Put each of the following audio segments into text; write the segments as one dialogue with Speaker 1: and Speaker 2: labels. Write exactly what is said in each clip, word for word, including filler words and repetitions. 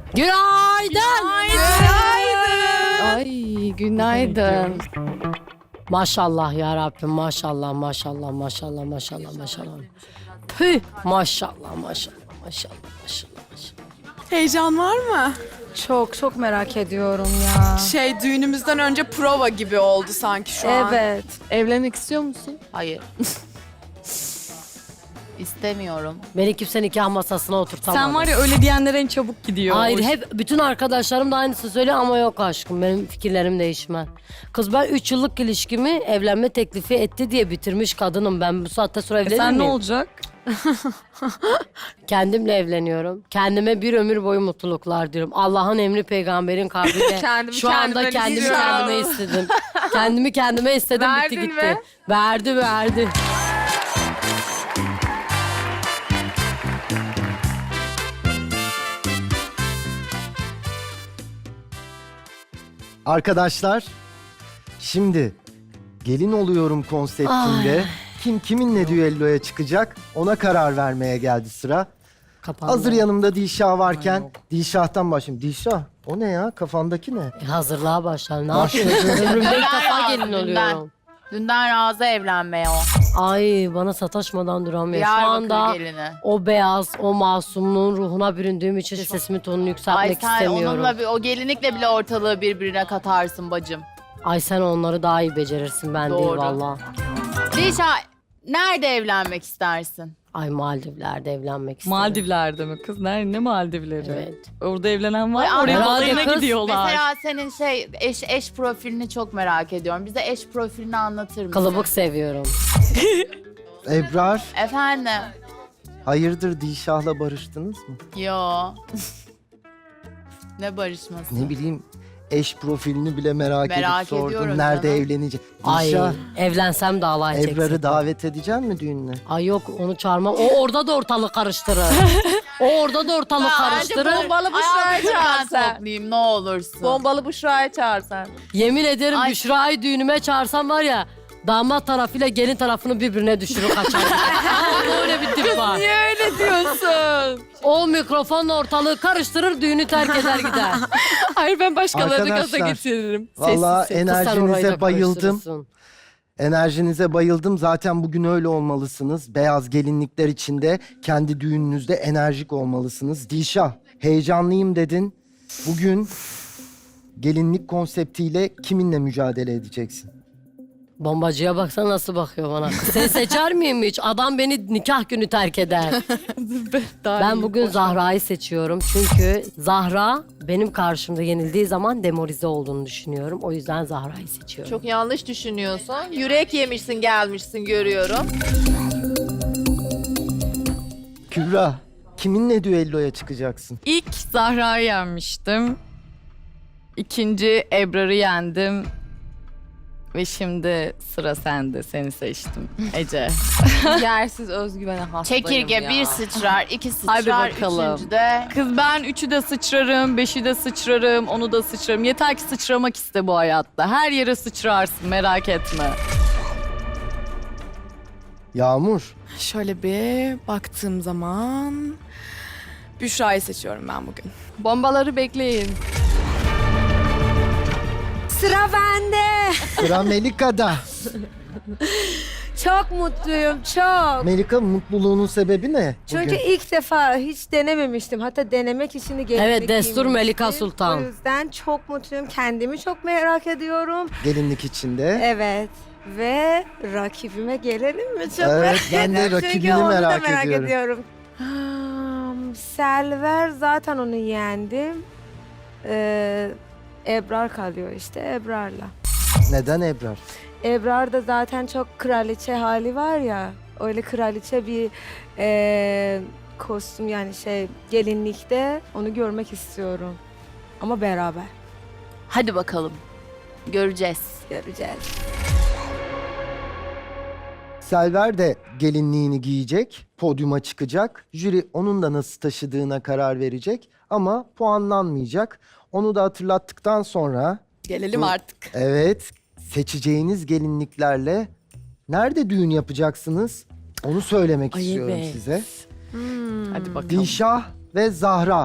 Speaker 1: Günaydın.
Speaker 2: Günaydın.
Speaker 3: Ay günaydın.
Speaker 1: Maşallah ya Rabbim, maşallah, maşallah, maşallah, maşallah, maşallah. Püh, maşallah, maşallah, maşallah, maşallah, maşallah.
Speaker 2: Heyecan var mı?
Speaker 3: Çok çok merak ediyorum ya.
Speaker 2: Şey düğünümüzden önce prova gibi oldu sanki şu an.
Speaker 3: Evet.
Speaker 4: Evlenmek istiyor musun?
Speaker 5: Hayır. İstemiyorum.
Speaker 1: Beni kimse nikah masasına oturtamadı.
Speaker 4: Sen var ya öyle diyenlere en çabuk gidiyor.
Speaker 1: Hayır,
Speaker 4: O iş.
Speaker 1: hep bütün arkadaşlarım da aynısını söylüyor ama yok aşkım, benim fikirlerim değişmez. Kız ben üç yıllık ilişkimi evlenme teklifi etti diye bitirmiş kadınım. Ben bu saatte sonra
Speaker 4: E
Speaker 1: evlenir
Speaker 4: sen ne
Speaker 1: miyim?
Speaker 4: olacak?
Speaker 1: Kendimle evleniyorum. Kendime bir ömür boyu mutluluklar diyorum. Allah'ın emri peygamberin kavliyle.
Speaker 2: Kendimi
Speaker 1: Şu anda
Speaker 2: kendime
Speaker 1: kendimi
Speaker 2: istiyorum.
Speaker 1: kendime istedim. kendimi kendime istedim, bitti
Speaker 2: Verdin
Speaker 1: gitti.
Speaker 2: mi?
Speaker 1: Verdi verdi.
Speaker 6: Arkadaşlar, şimdi gelin oluyorum konseptinde kim kiminle düelloya çıkacak ona karar vermeye geldi sıra.
Speaker 1: Kapandı.
Speaker 6: Hazır yanımda Dilşah varken Dilşah'tan başlayayım. Dilşah, o ne ya? Kafandaki ne?
Speaker 1: E, hazırlığa başlar. Ne
Speaker 6: Başladı.
Speaker 1: yapıyorsun? Ömrümde ilk
Speaker 5: Ben
Speaker 1: defa
Speaker 5: razı,
Speaker 1: gelin
Speaker 5: dünden.
Speaker 1: oluyorum.
Speaker 5: Dünden razı evlenmeye o.
Speaker 1: Ay, bana sataşmadan duramıyor. Şu
Speaker 5: Diyarbakır
Speaker 1: anda
Speaker 5: gelini.
Speaker 1: o beyaz, o masumluğun ruhuna büründüğüm için sesimin tonunu
Speaker 5: Ay
Speaker 1: yükseltmek
Speaker 5: sen
Speaker 1: istemiyorum.
Speaker 5: onunla bir, o gelinlikle bile ortalığı birbirine katarsın bacım.
Speaker 1: Ay sen onları daha iyi becerirsin, ben değil
Speaker 5: Doğru.
Speaker 1: valla.
Speaker 5: Dilşah, nerede evlenmek istersin?
Speaker 1: Ay, Maldivler'de evlenmek isterim.
Speaker 4: Maldivler'de mi kız? Nerede, ne Maldivleri?
Speaker 1: Evet.
Speaker 4: Orada evlenen var.
Speaker 5: Ay,
Speaker 4: Oraya
Speaker 5: herhalde
Speaker 4: balayına
Speaker 1: kız.
Speaker 4: gidiyorlar.
Speaker 5: Mesela senin şey eş eş profilini çok merak ediyorum. Bize eş profilini anlatır mısın?
Speaker 1: Kılıbık seviyorum.
Speaker 6: Ebrar,
Speaker 5: Efendim?
Speaker 6: hayırdır Dilşah'la barıştınız mı?
Speaker 5: Yo. Ne barışması?
Speaker 6: Ne bileyim, eş profilini bile merak,
Speaker 5: Merak
Speaker 6: edip sordum.
Speaker 5: ediyorum
Speaker 6: Nerede
Speaker 5: canım.
Speaker 6: evlenecek?
Speaker 1: Ay,
Speaker 6: Dilşah,
Speaker 1: evlensem de alay çeksin.
Speaker 6: Ebrar'ı davet edecek mi düğününe?
Speaker 1: Ay yok, onu çağırmam. O orada da ortalık karıştırır. o orada da ortalık karıştırır.
Speaker 5: Bombalı Büşra'yı çağırsan. Toplayayım ne olursun.
Speaker 7: Bombalı Büşra'yı çağırsan.
Speaker 1: Yemin ederim
Speaker 5: Ay.
Speaker 1: Büşra'yı düğünüme çağırsam var ya, damat tarafıyla gelin tarafını birbirine düşürür kaçar. Aa, öyle bir tip var.
Speaker 7: Niye öyle diyorsun?
Speaker 1: O mikrofonla ortalığı karıştırır, düğünü terk eder gider.
Speaker 7: Hayır ben başkalarını gaza
Speaker 6: Arkadaşlar,
Speaker 7: getiririm.
Speaker 6: Vallahi
Speaker 1: Kız sen orayı da
Speaker 6: enerjinize bayıldım.
Speaker 1: karıştırırsın.
Speaker 6: Enerjinize bayıldım. Zaten bugün öyle olmalısınız. Beyaz gelinlikler içinde kendi düğününüzde enerjik olmalısınız. Dilşah, heyecanlıyım dedin. Bugün gelinlik konseptiyle kiminle mücadele edeceksin?
Speaker 1: Bombacıya baksana nasıl bakıyor bana. Kız seni seçer miyim hiç? Adam beni nikah günü terk eder. Ben bugün Zahra'yı seçiyorum. Çünkü Zahra benim karşımda yenildiği zaman demoralize olduğunu düşünüyorum. O yüzden Zahra'yı seçiyorum.
Speaker 7: Çok yanlış düşünüyorsun. Yürek yemişsin gelmişsin görüyorum.
Speaker 6: Kübra, kiminle düelloya çıkacaksın?
Speaker 4: İlk Zahra'yı yenmiştim. İkinci Ebrar'ı yendim. Ve şimdi sıra sende. Seni seçtim. Ece.
Speaker 7: Yersiz özgüvene hastayım
Speaker 5: Çekirge
Speaker 7: ya.
Speaker 5: bir sıçrar, iki
Speaker 4: Hadi
Speaker 5: sıçrar,
Speaker 4: bakalım.
Speaker 5: üçüncüde...
Speaker 4: Kız ben üçü de sıçrarım, beşi de sıçrarım, onu da sıçrarım. Yeter ki sıçramak iste bu hayatta. Her yere sıçrarsın, merak etme.
Speaker 6: Yağmur,
Speaker 2: Şöyle bir baktığım zaman Büşra'yı seçiyorum ben bugün.
Speaker 7: Bombaları bekleyin.
Speaker 3: Sıra bende.
Speaker 6: sıra Melika'da.
Speaker 3: Çok mutluyum çok.
Speaker 6: Melika, mutluluğunun sebebi ne
Speaker 3: Çünkü
Speaker 6: bugün?
Speaker 3: ilk defa hiç denememiştim. Hatta denemek için de gelinlik
Speaker 1: Evet, destur
Speaker 3: giymiştim.
Speaker 1: Melika Sultan.
Speaker 3: O yüzden çok mutluyum. Kendimi çok merak ediyorum.
Speaker 6: Gelinlik içinde.
Speaker 3: Evet. Ve rakibime gelelim mi? Çok
Speaker 6: Evet,
Speaker 3: merak
Speaker 6: ben de
Speaker 3: ediyorum.
Speaker 6: rakibini
Speaker 3: Çünkü onu da
Speaker 6: merak
Speaker 3: merak
Speaker 6: ediyorum.
Speaker 3: ediyorum. Hmm, Selver zaten onu yendim. Ee, Ebrar kalıyor işte Ebrar'la.
Speaker 6: Neden Ebrar?
Speaker 3: Ebrar da zaten çok kraliçe hali var ya. Öyle kraliçe bir e, kostüm yani şey gelinlikte onu görmek istiyorum. Ama beraber
Speaker 5: Hadi bakalım. Göreceğiz.
Speaker 3: göreceğiz.
Speaker 6: Selver de gelinliğini giyecek, podyuma çıkacak. Jüri onun da nasıl taşıdığına karar verecek ama puanlanmayacak. Onu da hatırlattıktan sonra
Speaker 2: Gelelim
Speaker 6: Bu-
Speaker 2: artık.
Speaker 6: evet, seçeceğiniz gelinliklerle nerede düğün yapacaksınız? Onu söylemek
Speaker 1: Ay
Speaker 6: istiyorum
Speaker 1: evet.
Speaker 6: size.
Speaker 4: Hadi bakalım.
Speaker 6: Dilşah ve Zahra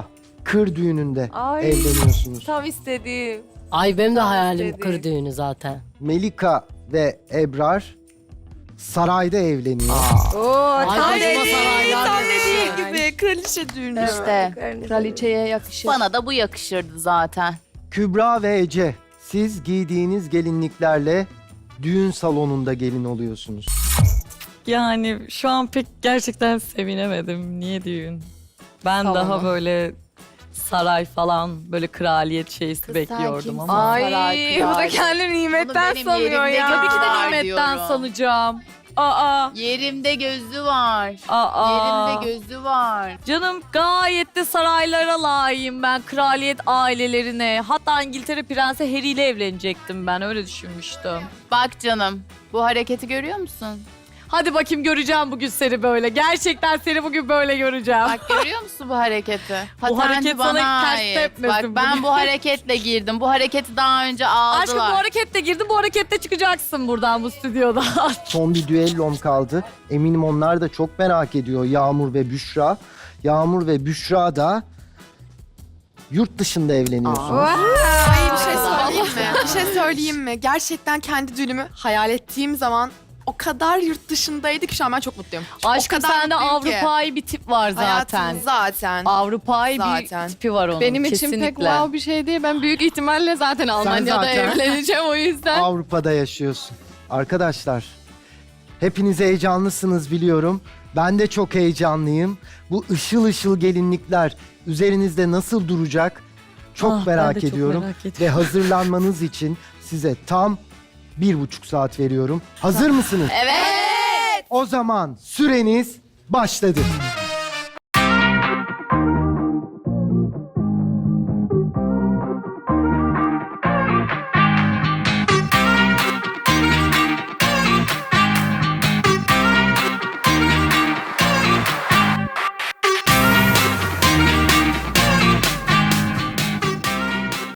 Speaker 6: kır düğününde
Speaker 3: Ay.
Speaker 6: evleniyorsunuz.
Speaker 3: Tam istediğim.
Speaker 1: Ay benim de hayalim
Speaker 3: istedi.
Speaker 1: kır düğünü zaten.
Speaker 6: Melika ve Ebrar sarayda evleniyor.
Speaker 3: Oo,
Speaker 1: Ay,
Speaker 3: tam
Speaker 1: kocaman
Speaker 3: dediğim.
Speaker 1: saraylar
Speaker 3: Tam
Speaker 1: yapıyor.
Speaker 3: dediğim gibi.
Speaker 2: Kraliçe düğünü.
Speaker 5: İşte
Speaker 4: Kraliçeye yakışır.
Speaker 5: bana da bu yakışırdı zaten.
Speaker 6: Kübra ve Ece, siz giydiğiniz gelinliklerle düğün salonunda gelin oluyorsunuz.
Speaker 4: Yani şu an pek gerçekten sevinemedim. Niye düğün? Ben
Speaker 2: Salonu.
Speaker 4: daha böyle saray falan böyle kraliyet şeysi
Speaker 5: Kız
Speaker 4: bekliyordum
Speaker 5: sen
Speaker 4: ama.
Speaker 2: Ay
Speaker 5: Saray
Speaker 2: bu da
Speaker 5: krali.
Speaker 2: kendini nimetten
Speaker 5: Bunu benim
Speaker 2: sanıyor
Speaker 5: yerimde
Speaker 2: ya.
Speaker 5: gör-
Speaker 4: Tabii ki de
Speaker 5: Var
Speaker 4: nimetten
Speaker 5: diyorum.
Speaker 4: sanacağım. Aa,
Speaker 5: Yerimde gözü var.
Speaker 4: aa.
Speaker 5: Yerimde gözü var.
Speaker 4: Canım gayet de saraylara layığım ben. Kraliyet ailelerine. Hatta İngiltere Prensi Harry ile evlenecektim ben. Öyle düşünmüştüm.
Speaker 5: Bak canım, bu hareketi görüyor musun?
Speaker 4: Hadi bakayım göreceğim bugün seni böyle. Gerçekten seni bugün böyle göreceğim.
Speaker 5: Bak görüyor musun bu hareketi? Patenti
Speaker 4: hareket sana
Speaker 5: bana
Speaker 4: ters
Speaker 5: ait.
Speaker 4: tepmesin
Speaker 5: Bak ben
Speaker 4: bugün.
Speaker 5: bu hareketle girdim. Bu hareketi daha önce aldılar.
Speaker 4: Aşkım bu hareketle girdin, bu hareketle çıkacaksın buradan bu stüdyoda.
Speaker 6: Son bir düellom kaldı. Eminim onlar da çok merak ediyor, Yağmur ve Büşra. Yağmur ve Büşra da yurt dışında evleniyorsunuz.
Speaker 2: Ay bir şey söyleyeyim mi? Bir şey söyleyeyim mi? Gerçekten kendi düğünümü hayal ettiğim zaman o kadar yurt dışındaydı ki şu an ben çok mutluyum.
Speaker 4: Aşkım
Speaker 2: o kadar
Speaker 4: sende
Speaker 2: mutluyum ki.
Speaker 4: Avrupa'yı bir tip var zaten.
Speaker 2: Hayatım zaten.
Speaker 4: Avrupa'yı
Speaker 2: Zaten.
Speaker 4: bir tipi var onun
Speaker 8: Benim
Speaker 4: kesinlikle.
Speaker 8: için pek wow bir şey değil. Ben büyük ihtimalle zaten Almanya'da
Speaker 6: zaten-
Speaker 8: evleneceğim o yüzden.
Speaker 6: Avrupa'da yaşıyorsun. Arkadaşlar, hepiniz heyecanlısınız biliyorum. Ben de çok heyecanlıyım. Bu ışıl ışıl gelinlikler üzerinizde nasıl duracak? Çok
Speaker 4: Ah, ben
Speaker 6: merak
Speaker 4: de çok
Speaker 6: ediyorum.
Speaker 4: merak ediyorum.
Speaker 6: Ve hazırlanmanız için size tam bir buçuk saat veriyorum. Hazır mısınız?
Speaker 5: Evet.
Speaker 6: O zaman süreniz başladı.